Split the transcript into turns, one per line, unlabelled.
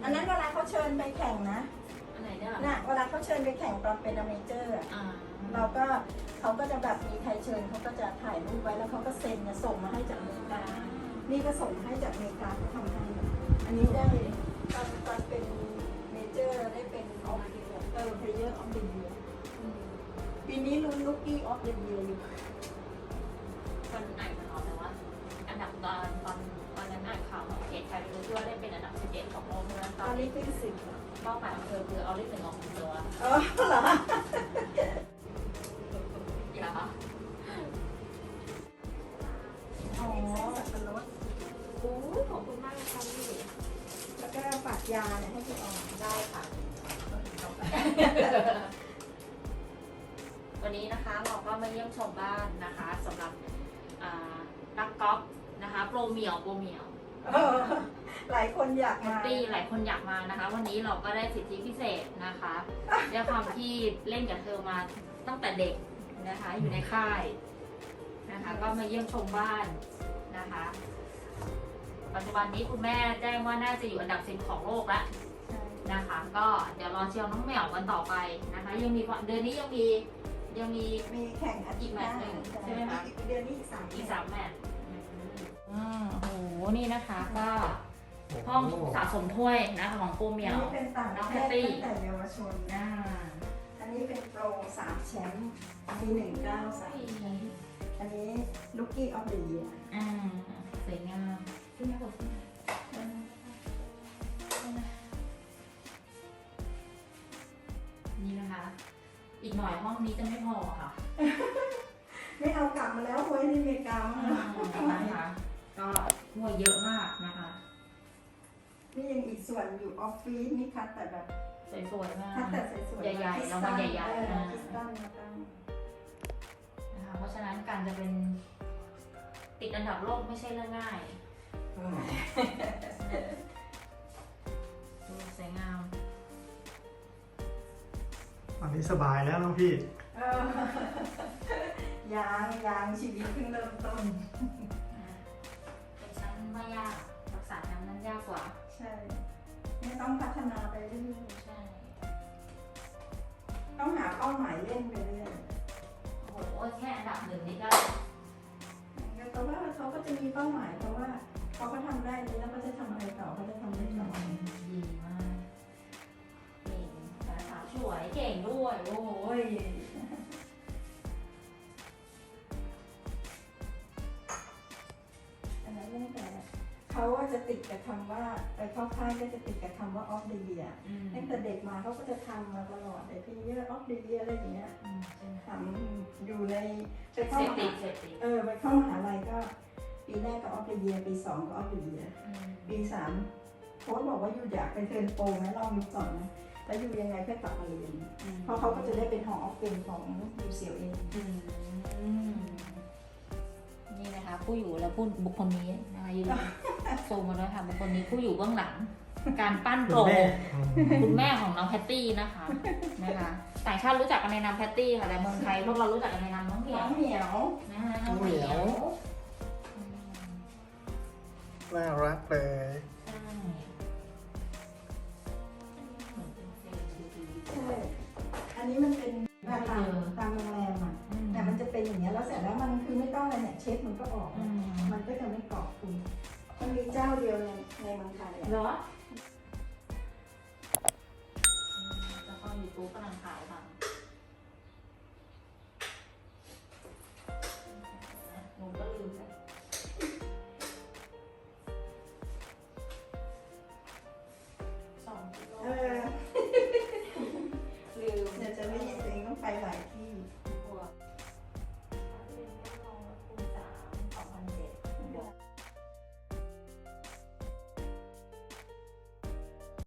อันนั้นเวลาเขาเชิญไปแข่งนะ
อันไหนเนี่ย
น่ะเวลาเขาเชิญไปแข่งตอนเป็นอเมเจอร์อะเราก็เขาก็จะแบบมีใครเชิญเขาก็จะถ่ายรูปไว้แล้วเขาก็เซ็นจะส่งมาให้จากอเมริกา นี่ก็ส่งให้จากอเมริกาเขาทำให้อันนี้ได้ตอนเป็นเมเจอร์ได้เป็นออฟเดียเพลเยอร์ออฟเดียปีนี้ลุ้นลูกกี้ออฟเดียอยู่
มันอ่านข่าวแต่ว่าอันดับตอนนั้นอ่านข่าวของเขตไทยรู้ที่ว่าได้เป็นอันดับ11ของโลกใช่ไหม
ตอนนี้ขึ้นสิบ
เป้าหมายของเธอคือเอาเลขหนึ่งออกตัว
อ๋อเหรอ
อย่า
อ๋อสับปะรด
โอ้ขอบคุณมากเลยค่ะพี่
แล้วก็ฝากยาเนี่ยให้พี่ออม
ได้ค่ะวันนี้นะคะเราก็มาเยี่ยมชมบ้านนะคะสำหรับนักกอล์ฟนะคะโปรเหมียว
หลายคนอยาก
แฮ
มา
ปปี้หลายคนอยากมานะคะ วันนี้เราก็ได้สิทธิพิเศษนะคะด้วยความที่เล่นกับเธอมาตั้งแต่เด็กนะคะ อยู่ในค่ายนะคะ ก็มาเยี่ยมชมบ้านนะคะ ปัจจุบันนี้คุณแม่แจ้งว่าน่าจะอยู่อันดับ10ของโลกแล้วนะคะ ก็เดี๋ยวรอเชียร์น้องแมวกันต่อไปนะคะ ยังมีเดือนนี้ยังมี
มีแข่งอาทิตย์หน้า
อีกแมตช์หนึ่งใช่ไหมคะ
อีกเดือนนี้อีก3
อีก3แมตช์โอ้โหนี่นะคะก็ห้องสะสมถ้วยนะคะของโปรเหมียว
นี่เป็นต่างประเทศตั้งแต่เยาวชน
อ่า
อันนี้เป็นโปร3แชมป์ปี193อันนี้ลูกกี้ออฟเดอะเยียร์
สวยงามขึ้นมาบนนี่นะคะ อีกหน่อยห้องนี้จะไม่พอค่ะ
ไม่เอากลับมาแล้วไว้ในอเมริกามั้งนะ
นะคะก็ถ้วยเยอะมากนะคะ
นี่ยังอีกส่วนอยู่ออฟฟิศนี่คัดแต่แบบ
สวยๆมาก
คัดแต่สวยๆ
ใหญ่ๆรางวัลใหญ่ๆ
คริสตัลมาตั้ง
นะคะเพราะฉะนั้นการจะเป็นติดอันดับโลกไม่ใช่เรื่องง่ายดูสวยงาม
ตอนนี้สบายแล้วน้องพี่
ยังชีวิตเพิ่งเริ่มต้น
เป็นชั้นไม่ยากรักษาชั้นนั้นยากกว่า
ใช่ไม่ต้องพัฒนาไปเรื่อย
ใช่
ๆต้องหาเป้าหมายเล่นไปเรื่อย
โอ้โหแค่อันดับ1นี่ก็
แต่ว่าเขาก็จะมีเป้าหมายเพราะว่าเขาก็ทำได้แล้วเขาจะทำอะไรต่อเขาจะทำได้ต่อ
ดีมากเก่งสาขาสวยเก่งด้วยโอ้ย
อันนั้นตั้งแต่เขาว่าจะติดกับคำว่าไปเข้าค่ายก็จะติดกับคำว่า off the year ตั้งแต่เด็กมาเขาก็จะทำมาตลอดเลยพี่เยอะ off the year อะไรอย่างเงี้ย
ใช่ไหม
ทำอยู่ในไป
เส
เข้า
พ
ม
ติ
หา
ดเสพติด
ไปเข้ามหาลัยก็ปีแรกก็ off the year ปี2ก็ off the year ปี3โค้ชบอกว่าอยู่อยากไปเทิร์นโปรไหมลองดูก่อนนะแล้วอยู่ยังไงเพื่อกลับมาเรียนเพราะเขาก็จะได้เป็นหอออฟเฟนของ UCLA
นี่นะคะผู้อยู่และผู้บุคคลนี้นะคะยืนซูมมาแล้วค่ะบุคคลนี้ผู้อยู่เบื้องหลัง การปั้นโปรคุณแม่ของน้องแพตตี้นะคะต่างชาติรู้จักกันในนามแพตตี้ค่ะแต่เมืองไทยพวกเรารู้จักกันในนามน้องเหมี
น้
ย
อ
ว
งเหมียว
นะคะน้องเหมียว
น่ารักเลย
ใช่เหมือนเป็นเซลล์ดี
ใช่อันนี้มันเป็นตามโรงแรมอ่ะแต่มันจะเป็นอย่างเงี้ยแล้วเสร็จแล้วมันคือไม่ต้องอะไรเนี่ยเช็ดมันก็ออกมันก็จะไม่เกาะคุณมันมีเจ้าเดียวในเมืองไทย
เหรอจะเข้ายูทูบกำลังถ่าย